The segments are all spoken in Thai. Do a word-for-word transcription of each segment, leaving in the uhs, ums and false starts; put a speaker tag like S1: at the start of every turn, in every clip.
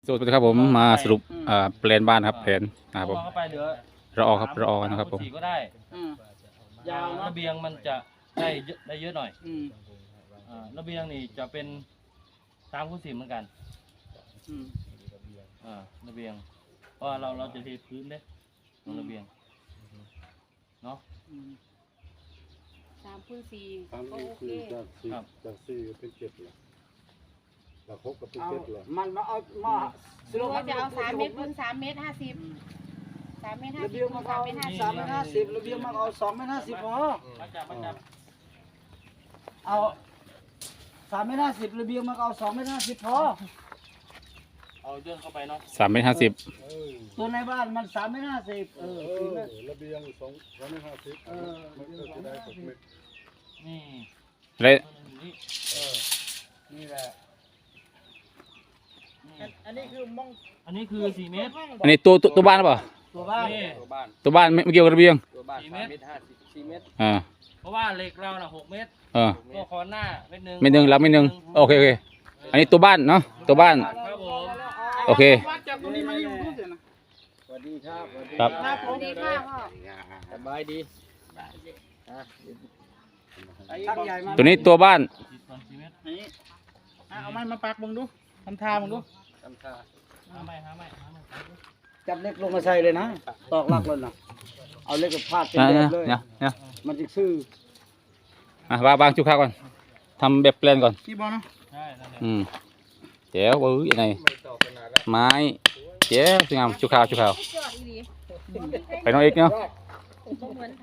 S1: สวัสดีครับผมมาสรุปอ่าแปลนบ้านครับแผนนะครับผม
S2: เข้าไปเหลือ
S1: รอครับรอนะครับผม
S2: สี่ก็ได้
S3: อืม
S2: ยาวระเบียงมันจะได้เยอะได้เยอะหน่อย
S3: อืม
S2: อ่าระเบียงนี่จะเป็นสามคูณสี่เหมือนกัน
S3: อืม
S2: อ่าระเบียงเพราะว่าเราเราจะเทพื้นเด้ตรงระเบียงเนาะ
S3: อืม
S4: สามคูณสี่
S5: สาม
S4: ก็
S5: นี่
S4: โอเค
S5: คือจากสี่
S2: ครับ
S5: จากสี่ก็เป็นเจ็ดเลยจากหกก็เป็น
S3: เอา
S5: เจ็ดเลย
S3: มันมาเอามา
S4: หรือว่าจะเอาสามเมตรคูณสามเมตรห้าสิบสามเมตรห้า
S3: ระ
S4: สิ
S3: เบี
S4: บ
S3: ยง
S4: คู
S3: มา
S4: ณสา
S3: เอา
S4: มเมตรห้าสิบ
S3: สามเมตรห้าสิบระเบียงมาเอาสองเมตรห้าสิบพอ
S2: มาจับมาจับ
S3: เอาสามเมตรห้าสิบระเบียงมาเอาสองเมตรห้าสิบพอ
S2: เอาย่นเข้าไปเนาะ
S1: สามเมตรห้าสิบ
S5: เออ
S3: ตัวในบ้านมันสามเมตรห้าสิบเออ
S5: เอ
S3: สี่
S5: อ
S3: เมตร
S5: ระเบียงสองสองเมตรห้าสิบ
S3: เออ
S5: มันก็จะได้หกเมตร
S2: นี่
S1: และ
S2: นี่
S3: เออนี่แหละ
S2: นี่
S3: อันนี้คือมอง
S2: อันนี้คือสี่เมตร
S1: อันนี้ตัวตัวตัวบ้านหรือเปล่า
S3: ตัวบ้าน
S2: นี่
S1: ตัวบ้านไม่ไม่เกี่ยวกับระเบียง
S2: สี่เมตร
S3: สี่เมตร
S1: อ่า
S2: เพราะว่าเหล็กเราน่ะหกเมตร
S1: เออ
S2: ก็คอนหน้าเมตรหนึ่ง
S1: เม็ดหนึ่งรับเม็ดหนึ่งโอเคโอเคอันนี้ตัวบ้านเนาะตัวบ้าน
S2: ครับผม
S1: โอเค
S3: จับตรงนี้มาอยู่รูปเดียวนะสวัสดีครับ
S1: ครับ
S4: สวัสดีค่ะพ่อ
S3: สบายดีช่างใหญ่มา
S1: ตัวนี้ตัวบ้าน
S2: สี่ส่วนสี่เมตร
S3: นี่อ่ะเอาไม้มาปักมึงดูทำท่ามึงดู
S2: หาไม่หาไม่หาไม่
S3: จับเล็กลงมาใส่เลยนะตอกลักเลยนะเอาเล็กกับพาดเป็น
S1: นะ
S3: แบ
S1: นะ
S3: บเลย
S1: เนี่ยเนี่ย
S3: มันจะซื่อ
S1: อ่ะวางวางจุกข้าวก่อนทำแบบแปลนก่อน
S3: พี่บอลเนาะ
S2: ใช่นั่นแหละ
S1: อืมเจ๋วเอ้ยยังไงไม้เจ๋วสวยงามจุกข้าวจุกข้าว
S4: จอดอีหลี
S1: ไปน้องเอกเนาะ
S4: บ่เหมือนไถ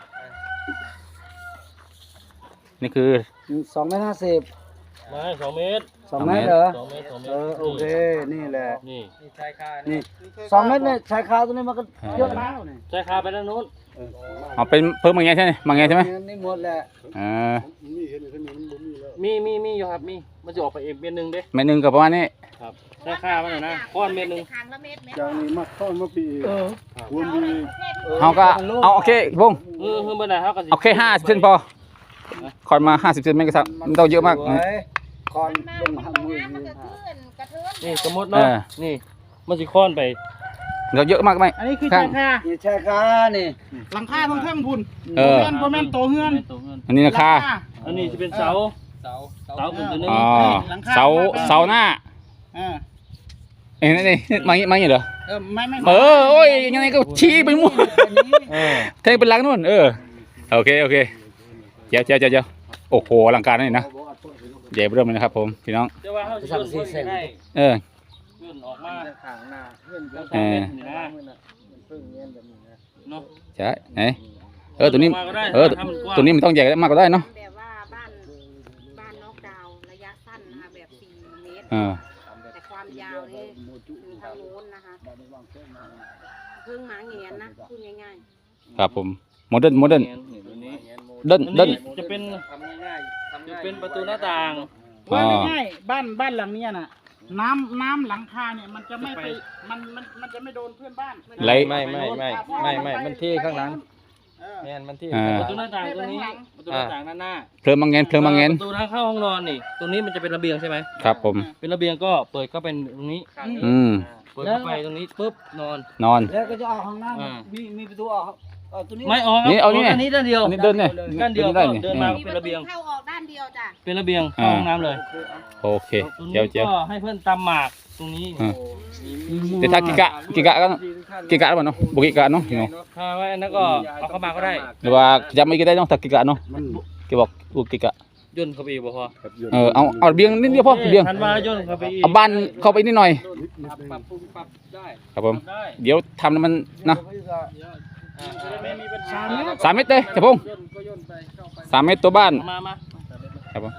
S1: นี่คือ
S3: สองเมตรห้าสิบ
S2: ไม้สองเมตร
S3: สองเมตรเหรอ
S2: สองเมตรสองเมต
S3: เอ
S2: ร
S3: อโอเคนี่แหละ
S2: นี่
S3: นี่สองเมตรเนี่ยชายคาตัวนี้มันก็เยอะแล้วเนี่ย
S2: ใช้คาไปด้านนู้น
S5: เออ
S1: เอาเป็นเพิ่มมาไงใช่ไหมมาไงใช่ไหม
S3: นี่หมดแหละ
S1: อ่า
S5: มีเห็นอยู่ที่นี่มันบ่มีแล้ว
S2: มีมีมีอยู่ครับมีมันจะออกไปเองเมตรหนึ่งเด้
S1: เม็ดหนึ่งกับประมาณนี้
S2: ครับใช้คามันหน่อยนะก้อนเมตรหนึ่ง
S4: ครั้งละเมตรไหม
S5: จากนี้มาเข้ามาปีอีก
S3: เออ
S5: ควรมี
S1: เขาก็เอาโอเคพงษ์
S2: เออเพิ่มไปไหนครับกัน
S1: เอาแค่ห้าสิบเซนพอคอนมาห้าสิบเซนไม่กระสับไม่ต้องเยอะมาก
S3: สวยคอน
S4: มา
S3: ลง
S4: มัน
S3: หัก
S4: บ่
S3: มือง
S4: ามมันก็ขึ้นกระเทือน
S2: นี่สมมติเนาะนี่มันจะค้อนไป
S1: เราเยอะมากไหม
S3: อันนี้คือ
S1: ข้า
S3: ชาง ยคานี่ชายคานี่หลังคาทั้งเครื่องพุ่น
S1: เออ
S3: เพื่อนพ่อแม่นโตเฮือน
S2: ตัวเงิน
S1: อันนี้ราคา
S2: อันนี้จะเป็นเสาเสาเสาขึ้นตัวนึง
S1: อ๋อเสาเสาหน้า
S3: อ่า
S1: เอ้ยนี่นี่มาอย่างนี้มาอย่างนี้เหรอ
S3: เออไม่ไม่
S1: เออโอ้ยยังไงก็ชี้ไปมั่ว
S2: เออ
S1: แทงเป็นหลังนู่นเออโอเคโอเคเจ้าเจ้าเจ้าเจ้าโอ้โหอลังการนี่นะใหญ่เริ่มเลยนะครับผมพี่น้อง
S2: จะว่าเขาจะยื่นเพื่อนให้
S1: เออ
S2: ยื่นออกมา
S3: ทางหน้าเพื่อน
S2: แล้ว
S3: เพื่อน
S2: สามเมตรนี่นะ
S3: เพิ่งเงี้ยแบบนี้นะ
S2: เนาะ
S1: ใช่ไหนเออตัวนี้
S2: มาก็ได้
S1: เออ
S2: ถ้ามันกว้าง
S1: ตัวนี้มันต้องใหญ่มากก็ได้เนาะ
S4: แบบว่าบ้านบ้านนอกดาวน์ระยะสั้นนะคะแบบสี่เมตร
S1: เออ
S4: แต่ความยาวนี่มีทางโน้นนะคะเพิ่งหมาเงียนนะพูดง่าย
S1: ครับผมโมเดิร์นโมเดิร์น
S2: นี่ตัวนี้
S1: เดิน
S2: อัน
S1: เดิน
S2: นี้จะเป็นจะเป็นประตูหน้าต่าง
S1: อ๋อ
S3: ว่าง่ายๆบ้านบ้านหลังเนี้ยน่ะน้ำน้ำหลังคาเนี่ยมันจะไม่ไปมันมันมันจะไม่โดนเพื่อนบ้าน
S1: ไหล
S6: ไม่ไม่ไม่ไม่ไม่มันที่ข้างหลัง
S3: เออ
S6: แม่นมันที่
S1: อ่า
S2: ประตูหน้าต่างตรงนี้ประตูหน้าต่างด้านหน้า
S1: เพลิงมังเงนเพลิงมังเงน
S2: ประตูทางเข้าห้องนอนนี่ ตรงนี้มันจะเป็นระเบียงใช่ไหม
S1: ครับผม
S2: เป็นระเบียงก็เปิดก็เป็นตรงนี้
S1: อืม
S2: เปิดเข้าไปตรงนี้ปุ๊บนอน
S1: นอน
S3: แล้วก็จะออกห้องน้
S2: อ่า
S3: ำมีมีประตูออกเอาตัวนี้
S2: ไม่ออกครับ
S1: นี่เอานี่
S2: อันนี้ด้านเดียว
S1: อันนี้เดินเนี่ย
S2: ด้านเดียว
S1: ได้นี่
S2: เดินมา
S4: ๆมีประตูเข้าออกด้านเดียวจ้ะ
S2: เป็นระเบียงเข้าห้องน้ำเลย
S1: โอเค
S2: ตรง
S1: เจียว
S2: นี้
S1: เจียว
S2: ก็ให้เพื่อนตำหมากตรงนี้
S1: อ่าแต่ถ้ากิกะกิกะก็กิกะหรือเปล่าเนาะบุกิกะเนาะพี่น้อง
S2: ถ้าไว้อันนั้นก็เอาเข้ามาก็ได้
S1: หรือว่าจำไม่ก็ได้เนาะถ้ากิกะเนาะ
S5: มัน
S1: แกบอกบุกิกะ
S2: ย่นเข้าไปอีกบ่พอ
S5: แบบยน
S1: เออเอาเอาเบียงนิดเดียวพอเบียง
S2: ทันว่าย่นเข้าไปอีก
S1: เอาบ้านเข้าไปนิดหน่อย
S5: นิดนิดเอง
S2: ปรับปรุงปรับได้
S1: ครับผม
S2: ได้
S1: เดี๋ยวทำแล้วมันนะ
S2: อ่าไม่มีปัญหา
S1: สามเมตรเลยเจ้าพงษ์สามเมตรตัวบ้าน
S2: มามา
S1: ครับผม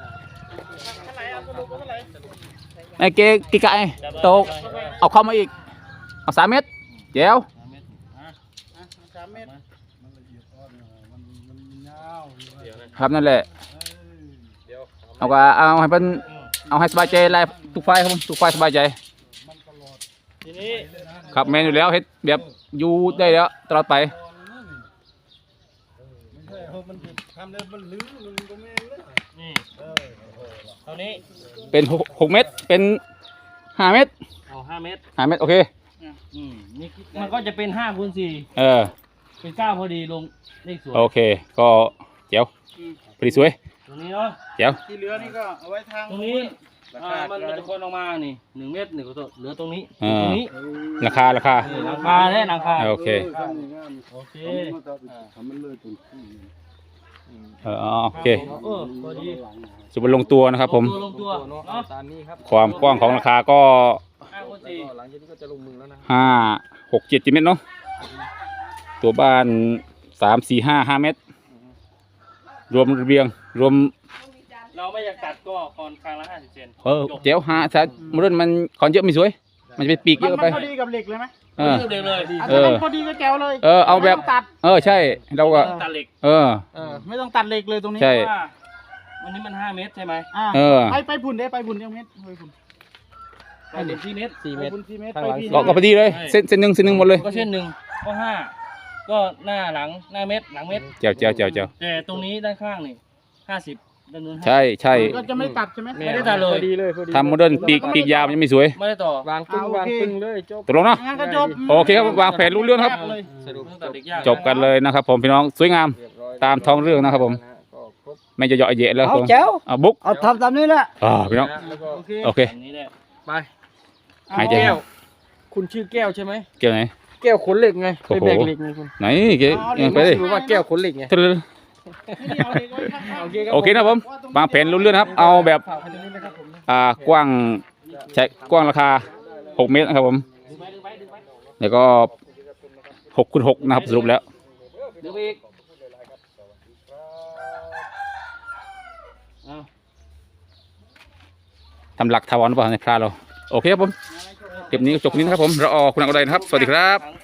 S1: ไอ้เกกิกะไอ้โตกเอาเข้ามาอีกเอาสามเมตรเจียว
S2: สามเมตรอ่ะ
S3: สามเมตร
S5: มันละเอียดอ่อนนะมันมันยาวอยู่
S2: เดี๋ยวนะครับ
S1: นั่นแหละเอาก็เอาให้เป็นเอาให้สบายใจไล่ทุกฝ่ายครับผมทุกฝ่ายสบายใจ
S2: ทีนี้
S1: ครับแมนอยู่แล้วเฮ็ดแบบอยู่ได้แล้วตลอดไป
S5: ไม่ใช่เออมันทำแล้วมันลื้อมันก็ไม่เล่น
S2: นี่
S5: เออ
S2: เท่านี้
S1: เป็นหกหกเมตรเป็นห้าเมตร
S2: อ่เอาห้าเมตร
S1: ห้าเมตรโอเค
S2: อืมนี่มันก็จะเป็นห้าคูณสี่
S1: เออ
S2: เป็นเก้าพอดีลงเลขสวย
S1: โอเคก็เจ๋วพอดีสวย
S2: ตรงนี้เนาะ
S1: เจ๋ว
S3: ที่เหลือนี่ก็เอาไว้ทาง
S2: ตรงนี้อ่ามันมันจะคนออกมานี่หนึ่งเมตรหนึ่งก็เหลือตรงนี้
S1: อ่า
S2: ตรงนี้
S1: ราคาราคา
S2: นี่หลังคาแน่หลังคา
S1: โอเค
S2: โอเค
S5: ทำมันเลยตุน
S1: เออโอเค
S2: เออพอดี
S1: สุบลงตัวนะครับผม
S2: ลงตัวลงตัวเนาะ
S6: ตามนี้ครับ
S1: ความกว้างของราคาก็
S2: ห้าคูณสี่
S6: หลังจากนี้ก็จะลงมือแล้วนะ
S1: ห้าหกเจ็ดเมตรเนาะตัวบ้านสามสี่ห้าห้าเมตร รวมระเบียงรวม
S2: เราไม่อยากตัดก็คอนคางละห้าสิบเซน
S1: เออเจ๋วหาซะมรุ่นมันคอนเยอะไม่สวย มันจะไปปีกเย
S3: มัน
S1: อะ
S3: มัน
S1: ไป
S3: พอดีกับเหล็กเลยไหม
S1: เออ
S2: เด็กเลย
S3: อ่ะ
S1: เอ
S3: ถ้า
S1: อ
S3: มันพอดีก็แจ๋วเลย
S1: เออเอาแบบ
S3: ไม่ต้องตัด
S1: เออใช่เราก็
S2: ตัดเหล็ก
S1: เออ
S3: เออไม่ต้องตัดเหล็กเลยตรงนี้
S1: ใช่
S2: เพราะว่าวันนี้มันห้าเมตรใช่ไหม
S3: อ่า
S1: เออ
S3: ไปไปพุ่นได้ไปพุ่นเดียวเมตรไปพุ่น
S2: ไปถึงที่เมตร
S6: สี่เม
S3: ไป
S6: ตร
S3: พุ่นสี่เมตร
S6: ข้าง
S3: ไป
S6: หลัง
S3: พี่
S1: ก็ก็พอดีเลยเส้นเส้นหนึ่งเส้นหนึ่งหมดเลย
S2: ก็เช่นหนึ่งก็ห้าก็หน้าหลังหน้าเมตรหลังเมตร
S1: เจ๋วเจ๋วเจ๋วเจ๋ว
S2: แต่ตรงนี้ด้านข้างนี่ห้าสิบด้านนู้นห้า
S1: ใช่ใช่
S3: ก็จะไม่ตัดใช่ไหม
S2: ไม่ได้ตัดเลย
S6: พอดีเลยพอดี
S1: ทำโมเดิร์นปีกปีกยาวมันยังไม่สวย
S2: ไม่ได้ต่อ
S6: วางปึ้งวางปึ้งเลยจบ
S1: ตกลงเนาะ
S3: งั้นก็จบ
S1: โอเคครับวางแผนรู้เรื่องครับ
S3: เลย
S6: สรุป
S2: ไม่ต้องตัดเหล็กยาก
S1: จบกันเลยนะครับผมพี่น้องสวยงาม
S6: เรียบร้อย
S1: ตามท้องเรื่องนะครับผม
S6: ก็ครบ
S1: ไม่จะเหยาะเยะแล้วครับผม
S5: เอาแจ๋ว
S1: เอาบุ๊ก
S5: เอาทำตามนี้แหละ
S1: อ่าพี่น้อง
S6: แล้วก็
S3: โอเค
S1: โอเค
S2: อันนี้แหละ
S6: ไป
S1: หายใจ
S6: แก้ว คุณชื่อแก้วใช่ไหม
S1: เกี่ยวไหน
S6: แก้วขนเหล็กไง
S1: โอ้
S6: ไป
S1: โห
S6: แบกเหล็กไงคุณ
S1: ไหนเกี่ยวยังไปดิ
S6: รู้ว่าแก้วขนเหล็กไง
S1: ทะลึ่ง
S3: นี่เอาเหล็กไว้ข้างๆ
S6: โอเคครับ
S1: โอเคนะครับผมวางแผนรู้เรื่องนะครับ เอาแบบ
S6: ฝากไว้ตรงนี้นะครับผม
S1: อ่ากว้างใช้กว้างราคาหกเมตรนะครับผมแล้วก็หกคูณหกนะครับสรุปแล้ว
S2: เดี๋ยวไปอีกเอา
S1: ทำหลักทาวรหรือเปล่าในพระเราโอเคครับผมคลิปนี้ก็จบนี้นะครับผมเราออกคุณอักอุไรนะครับสวัสดีครับ